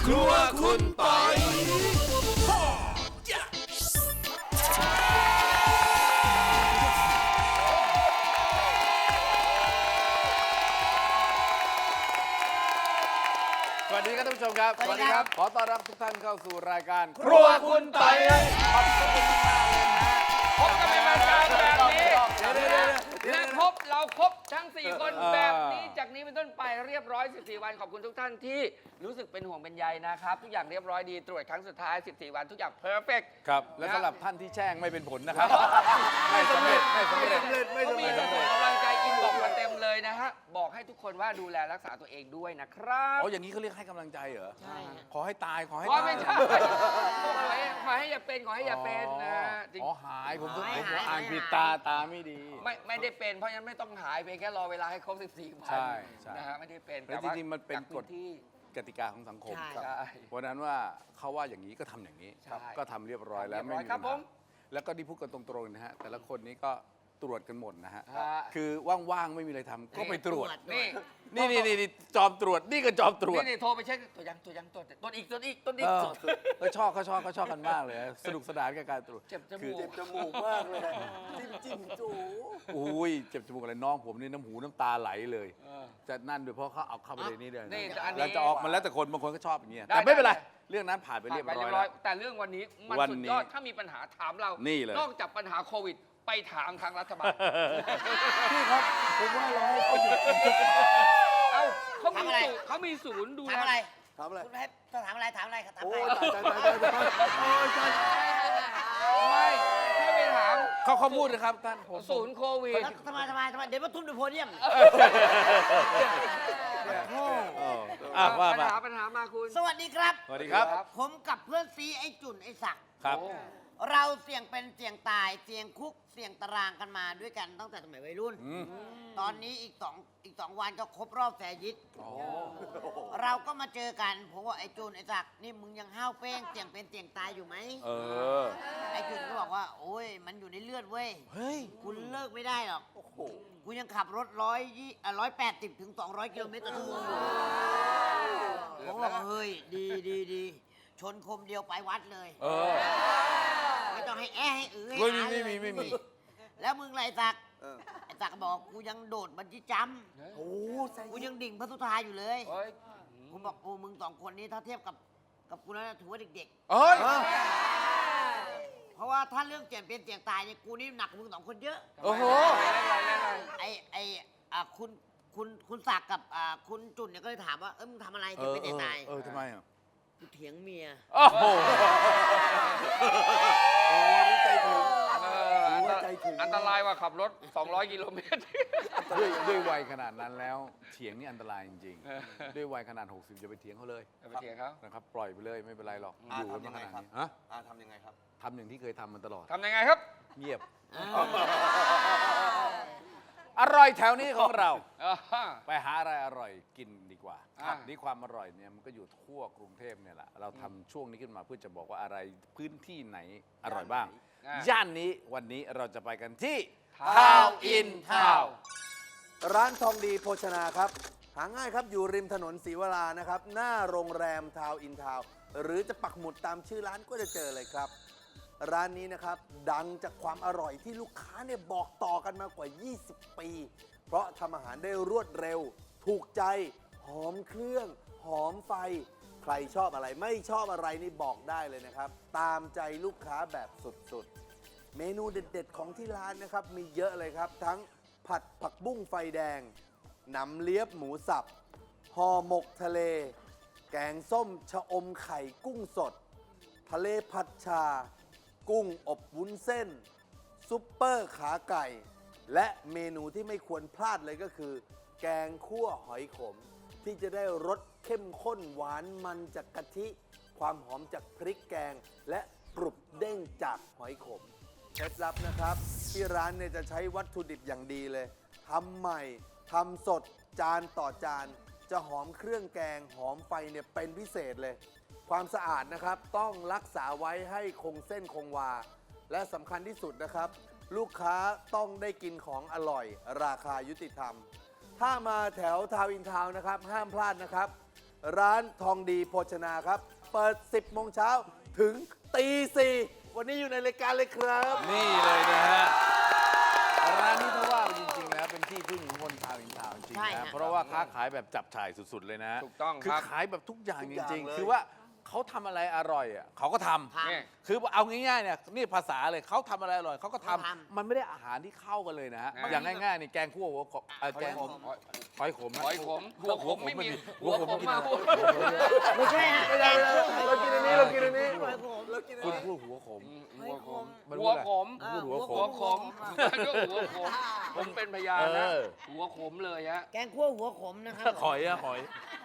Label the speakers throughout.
Speaker 1: ครัวคุณปอยสวัสดีครับท่านผู้ชมครับ
Speaker 2: สวัสดีครับ
Speaker 1: ขอต้อนรับทุกท่านเข้าสู่รายการ
Speaker 2: ครัวคุณปอย
Speaker 1: ขอบคุณมากเลยนะ
Speaker 3: พบกันเป็นประจำแบบนี้
Speaker 1: เดี๋ยว
Speaker 3: และครบเราครบทั้ง 4 คนแบบนี้จากนี้เป็นต้นไปเรียบร้อย 14 วันขอบคุณทุกท่านที่รู้สึกเป็นห่วงเป็นใยนะครับทุกอย่างเรียบร้อยดีตรวจครั้งสุดท้าย 14 วันทุกอย่างเพอร์เฟกต์
Speaker 1: ครับ และสำหรับท่านที่แช่งไม่เป็นผลนะครับ ไม่สำเร็จ
Speaker 3: เขามีส่งกำลังใจอินบอกมาเต็มเลยนะฮะบอกให้ทุกคนว่าดูแลรักษาตัวเองด้วยนะครับ
Speaker 1: อ๋ออย่างนี้เขาเรียกให้กำลังใจเหรอ
Speaker 3: ใช่
Speaker 1: ขอให้ตาย ขอให้
Speaker 3: อ๋อ
Speaker 1: ตาย
Speaker 3: ไม่ใช่ขอให้อย่าเป็นขอให้อย่าเป็นนะฮะจริง
Speaker 1: อ๋อหายผม
Speaker 2: หาย
Speaker 1: อ่านผิดตาไม่ดี
Speaker 3: ไม่ได้เป็นเพราะฉะนั้นไม่ต้องหายเพียงแค่รอเวลาให้ครบ 14 วัน
Speaker 1: ใช่ใช่
Speaker 3: นะฮะไม่ได้เป็น
Speaker 1: แล้วจริงๆมันเป็นกฎ
Speaker 3: ที่
Speaker 1: กติกาของสังคม
Speaker 2: ใช่
Speaker 3: ใช่
Speaker 1: เพราะฉะนั้นว่าเขาว่าอย่างนี้ก็ทำอย่างนี้
Speaker 3: ใช่
Speaker 1: ก็ทำเรียบร้อยแล้ว
Speaker 3: เรียบร้
Speaker 1: ไม่
Speaker 3: อย
Speaker 1: มี
Speaker 3: ครับ
Speaker 1: ปัญ
Speaker 3: ผ
Speaker 1: หาม แล้วก็ที่พูดกันตรงๆนะฮะแต่ละคนนี้ก็ตรวจกันหมดนะฮะ
Speaker 3: ฮะ
Speaker 1: คือว่างๆไม่มีอะไรทำก็ไปตรวจ
Speaker 3: นี่
Speaker 1: นี่จอมตรวจนี่ก็จอมตรวจ
Speaker 3: นี่โทรไปเช็คตัวยังตรวจอีก
Speaker 1: เขาชอบกันมากเลยสนุกสนานกับการตรวจ
Speaker 3: เจ็บจ
Speaker 1: คือ
Speaker 3: มูก
Speaker 2: เจ็บจมูกมากเลยจิ้มจู
Speaker 1: อุ้ยเจ็บจมูกอะไรน้องผมนี่น้ำหูน้ำตาไหลเลย
Speaker 3: เออ
Speaker 1: จะนั่นด้วยเพราะเขาเอาเข้าไปในนี้เลย
Speaker 3: นี่แต่อันนี้
Speaker 1: แล้วจะออกมันแล้วแต่คนบางคนก็ชอบอย่างเงี้ย
Speaker 3: ได้
Speaker 1: แต่ไม่เป็นไร
Speaker 3: ได้
Speaker 1: เรื่องนั้นผ่านไปเรียบร้อย
Speaker 3: ผ่านไป
Speaker 1: แล้ว
Speaker 3: แต่เรื่องวันนี้มัน
Speaker 1: วัน
Speaker 3: สุด
Speaker 1: นี้
Speaker 3: ยอดถ้ามีปัญหาถามเรา
Speaker 1: นี่เลย
Speaker 3: นอกจากปัญหาโควิด ไปถามทางรัฐบาล
Speaker 2: พี่ครับผมว่าเราให้เขาหยุด
Speaker 3: เอ้าเขา
Speaker 4: ทำอะไร
Speaker 3: เขามีศูนย์ดูแล
Speaker 4: ถามอะไร
Speaker 2: ทำอะไร
Speaker 4: คุณให้ต้องถามอะไรถามอะไรครับถาม
Speaker 2: โอ้
Speaker 4: อะไร
Speaker 2: ยตาย
Speaker 3: ไม่ให้ไปถาม
Speaker 1: เขาพูดนะครับท่านผม
Speaker 3: ศูนย์โควิด
Speaker 4: แล้วทำไมเดี๋ยวมาทุ่มดูโพเดียม
Speaker 1: เอออ่ะว่า
Speaker 3: ปัญ
Speaker 1: มา
Speaker 3: หามาคุณ
Speaker 4: สวัสดีครับ
Speaker 1: สวัสดีครับ
Speaker 4: ผมกับเพื่อนซีไอ้จุ่นไอ้ศักดิ์
Speaker 1: ครับ
Speaker 3: โอ้
Speaker 4: เราเสี่ยงเป็นเสี่ยงตายเสี่ยงคุกเสี่ยงตารางกันมาด้วยกันตั้งแต่สมัยวัยรุ่น
Speaker 1: อืม
Speaker 4: ตอนนี้อีกสองวันก็ครบรอบแสยิด
Speaker 1: อ๋อ
Speaker 4: เราก็มาเจอกันผมว่าไอ้จุ่นไอ้ศักดิ์นี่มึงยังห้าวเป้งเสี่ยงเป็นเสี่ยงตายอยู่ไหม
Speaker 1: เออ
Speaker 4: ไอ้จุ่นก็บอกว่าโอ้ยมันอยู่ในเลือดเว้ย
Speaker 1: เฮ้ย
Speaker 4: คุณเลิกไม่ได้หรอก กูยังขับรถ180 ถึง 200 กิโลเมตรต่อชั่วโมงอยู่ผมบอกว่าเฮ้ย ดี ชนคมเดียวไปวัดเลย
Speaker 1: เออ
Speaker 4: ไม่ต้องให้ให้อื้อให้
Speaker 1: ไม่
Speaker 4: หา
Speaker 1: มี
Speaker 4: เลย
Speaker 1: ไม่มี
Speaker 4: แล้วมึงไรศักดิ์ไอ้ศักดิ์บอกกูยังโดดบันจี้จัมป์
Speaker 2: โอ้ใส่
Speaker 4: กูยังดิ่งพระสุธาอยู่เลย
Speaker 3: เฮ้ย
Speaker 4: ผมบอกโอ้มึงสองคนนี้ถ้าเทียบกับกูแล้วถือว่าเด็ก
Speaker 1: เอ้ย
Speaker 4: ๆ เพราะว่าถ้าเรื่องเสี่ยงเป็นเสี่ยงตายเนี่ยกูนี่หนักกว่ามึงสองคนเยอะ
Speaker 1: โอ้โห
Speaker 4: คุณศักดิ์กับคุณจุนเนี่ยก็เลยถามว่ามึงทำอะไรถึงเป็นเสี่ยงตาย
Speaker 1: ทำไมอ่ะ
Speaker 4: กูเถียงเมีย
Speaker 1: โอ้โห
Speaker 2: โอ้นี่ใจถึง ใจถึง
Speaker 3: อันตรายกว่าขับรถ 200 กิโลเมตร
Speaker 1: ด้วยวัยขนาดนั้นแล้วเถียงนี่อันตรายจริงๆด้วยวัยขนาด 60จะไปเถียงเขาเลย
Speaker 3: อย่าไปเถียงเขา
Speaker 1: นะครับปล่อยไปเลยไม่เป็นไรหรอกอยู่กันมาขนาดนี้ฮะ
Speaker 2: ทำยังไงครับ
Speaker 1: ทำอย่างที่เคยทำมาตลอด
Speaker 3: ทำยังไงครับ
Speaker 1: เงียบ อร่อยแถวนี้ของเรา ไปหาอะไรอร่อยกินดีกว่า
Speaker 3: อ่า
Speaker 1: นี่ความอร่อยเนี่ยมันก็อยู่ทั่วกรุงเทพเนี่ยแหละเราทำช่วงนี้ขึ้นมาเพื่อจะบอกว่าอะไรพื้นที่ไหนอร่อยบ้าง ย่านนี้วันนี้เราจะไปกันที่
Speaker 3: Town in Town
Speaker 2: ร้านทองดีโภชนาครับ หาง่ายครับอยู่ริมถนนศรีวรานะครับ หน้าโรงแรมทาวน์อินทาวน์หรือจะปักหมุดตามชื่อร้านก็จะเจอเลยครับ ร้านนี้นะครับดังจากความอร่อยที่ลูกค้าเนี่ยบอกต่อกันมากว่า 20 ปี เพราะทำอาหารได้รวดเร็ว ถูกใจ หอมเครื่อง หอมไฟ ใครชอบอะไรไม่ชอบอะไรนี่บอกได้เลยนะครับ ตามใจลูกค้าแบบสุดๆ เมนูเด็ดๆของที่ร้านนะครับมีเยอะเลยครับ ทั้งผัดผักบุ้งไฟแดงหนำเลียบหมูสับห่อหมกทะเล แกงส้มชะอมไข่กุ้งสด ทะเลผัดชา กุ้งอบวุ้นเส้น ซุปเปอร์ขาไก่ และเมนูที่ไม่ควรพลาดเลยก็คือ แกงคั่วหอยขม ที่จะได้รสเข้มข้นหวานมันจากกะทิ ความหอมจากพริกแกง และกรุบเด้งจากหอยขมเคล็ดลับนะครับ ที่ร้านเนี่ยจะใช้วัตถุดิบอย่างดีเลยทำใหม่ทำสดจานต่อจาน จะหอมเครื่องแกงหอมไฟเนี่ยเป็นพิเศษเลย ความสะอาดนะครับต้องรักษาไว้ให้คงเส้นคงวา และสำคัญที่สุดนะครับ ลูกค้าต้องได้กินของอร่อย ราคายุติธรรม ถ้ามาแถวทาวน์อินทาวน์นะครับห้ามพลาดนะครับร้านทองดีโภชนาครับ เปิด 10 โมงเช้าถึงตี 4 วันนี้อยู่ในรายการเลยครับ
Speaker 1: นี่เลยนะฮะ ร้านนี้ถ้าว่าไปจริง ๆ แล้วเป็นที่พึ่งของคนชาวอินทาวน์จริง
Speaker 4: ใช่
Speaker 1: ๆ
Speaker 4: ฮะ
Speaker 1: นะเพราะว่าค้าขายแบบจับฉ่ายสุด ๆ เลยนะ
Speaker 3: ถูกต้อง
Speaker 1: คือ
Speaker 3: ครับ
Speaker 1: ขายแบบทุกอย่าง
Speaker 2: ทุก
Speaker 1: จ
Speaker 2: อย่าง
Speaker 1: ริง
Speaker 2: เลย
Speaker 1: ๆ คือว่าเขาทำอะไรอร่อยอ่ะเขาก็ทำ
Speaker 4: ค่ะ
Speaker 3: นี่
Speaker 1: คือเอาง่ายๆเนี่ยนี่ภาษาเลยเขาทำอะไรอร่อยเขาก็ทำ
Speaker 4: เขาทำ
Speaker 1: มันไม่ได้อาหารที่เข้ากันเลยนะฮะ
Speaker 3: อ่า
Speaker 1: อย่างง่ายๆนี่แกงคั่วหัวกบแกงหอยขมนะ
Speaker 3: หอยขมหัวขมไม่มี
Speaker 1: หัวขม
Speaker 3: หัวขม
Speaker 1: กิน
Speaker 3: มา
Speaker 1: อะไร
Speaker 4: ไม่ใช่ฮะ
Speaker 2: ไม่ได้เรากินอันนี้เรากินอันนี้
Speaker 4: หอยขม
Speaker 2: เรากินอัน
Speaker 1: คุณ
Speaker 2: นี้
Speaker 1: พูดหัวขม
Speaker 3: หัวขม
Speaker 1: มัน
Speaker 3: หัวขม
Speaker 1: พูดหัวข
Speaker 3: หัว
Speaker 1: ม
Speaker 3: ขมก็หัวขมผมเป็นพยานนะ
Speaker 1: เออ
Speaker 3: หัวขมเลยฮะ
Speaker 4: แกงคั่วหัวขมนะครับ
Speaker 1: หอยอะหอย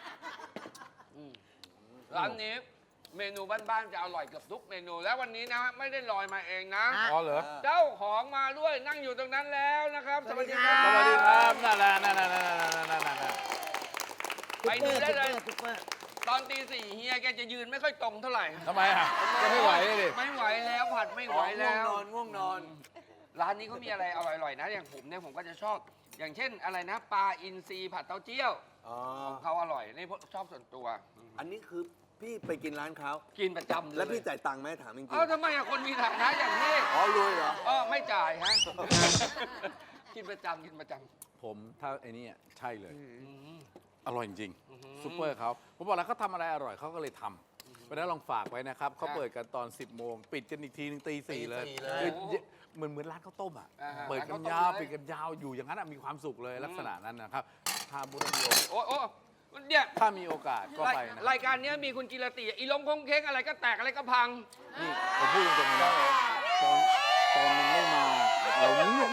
Speaker 3: ร้านนี้เมนูบ้านๆจะอร่อยเกือบทุกเมนู แล้ววันนี้นะไม่ได้ลอยมาเองนะ
Speaker 1: อ๋อเหรอ
Speaker 3: เจ้าของมาด้วยนั่งอยู่ตรงนั้นแล้วนะครับ สวัสดีครั
Speaker 1: ส
Speaker 3: บ
Speaker 1: วัสดีครับนั่นแหละนั่นแหละนั่นแหละนั่นแหละนั่นแหละ
Speaker 3: ไปดูได้เลย
Speaker 4: ซุปเปอร์
Speaker 3: ตอนตี 4เฮียแกจะยืนไม่ค่อยตรงเท่าไหร่
Speaker 1: ทำไมอ่ะจะไม่ไหวเลยดิ
Speaker 3: ไม่ไหวแล้วผัดไม่ไหวแล้ว
Speaker 2: ง่วงนอน
Speaker 3: ร้านนี้เขามีอะไรอร่อยๆนะ อย่างผมเนี่ยผมก็จะชอบ อย่างเช่นอะไรนะปลาอินทรีผัดเต้าเจี้ยว
Speaker 2: อ๋อ
Speaker 3: เขาอร่อยนี่ชอบส่วนตัว
Speaker 2: อันนี้คือพี่ไปกินร้านเขา
Speaker 3: กินประจำเลย
Speaker 2: แล้วพี่จ่ายตังค์ไหมถามจริง
Speaker 3: เอ้าทำไมอะคนมีฐานะอย่างนี้
Speaker 2: ๆอ๋อรวยเหรอ
Speaker 3: ไม่จ่ายฮะ กินประจำกินประจ
Speaker 1: ผมถ้าไอ้นี่อะใช่เลย
Speaker 3: ำ
Speaker 1: อร่อยจริงๆซุปเปอร์เขาผมบอกแล้วเขาทำอะไรอร่อยเขาก็เลยทำเพราะฉะนั้นลองฝากไว้นะครับเขาเปิดกันตอน 10 โมง ปิดกันอีกทีนึงตี 4 เลย
Speaker 2: ตี 4เลย
Speaker 1: คือเหมือนร้านข้าวต้มอ่ะ
Speaker 3: อ่าฮะ
Speaker 1: เปิดกัน
Speaker 3: ร้านข้าวต้ม
Speaker 1: ยาว
Speaker 3: เลย
Speaker 1: ปิดกันยาวอยู่อย่างนั้นอะมีความสุขเลยลักษณะนั้นนะครับถ้าบุรี
Speaker 3: โอ้เนี่ย
Speaker 1: ถ้ามีโอกาสก็ไปนะ
Speaker 3: รายการเนี้ยมีคุณกิรติอีลงคงเค้งอะไรก็แตกอะไรก็พัง
Speaker 1: นี่ผมพูดตรงๆนะตอนมันไม่มาเราเงียบ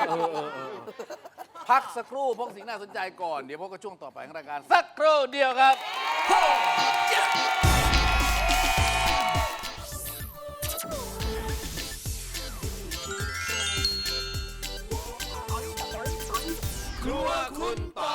Speaker 1: พักสักครู่พวกสิ่งน่าสนใจก่อน เดี๋ยวพบกับช่วงต่อไปของรายการสักครู่เดียวครับ ครัวคุณต่อ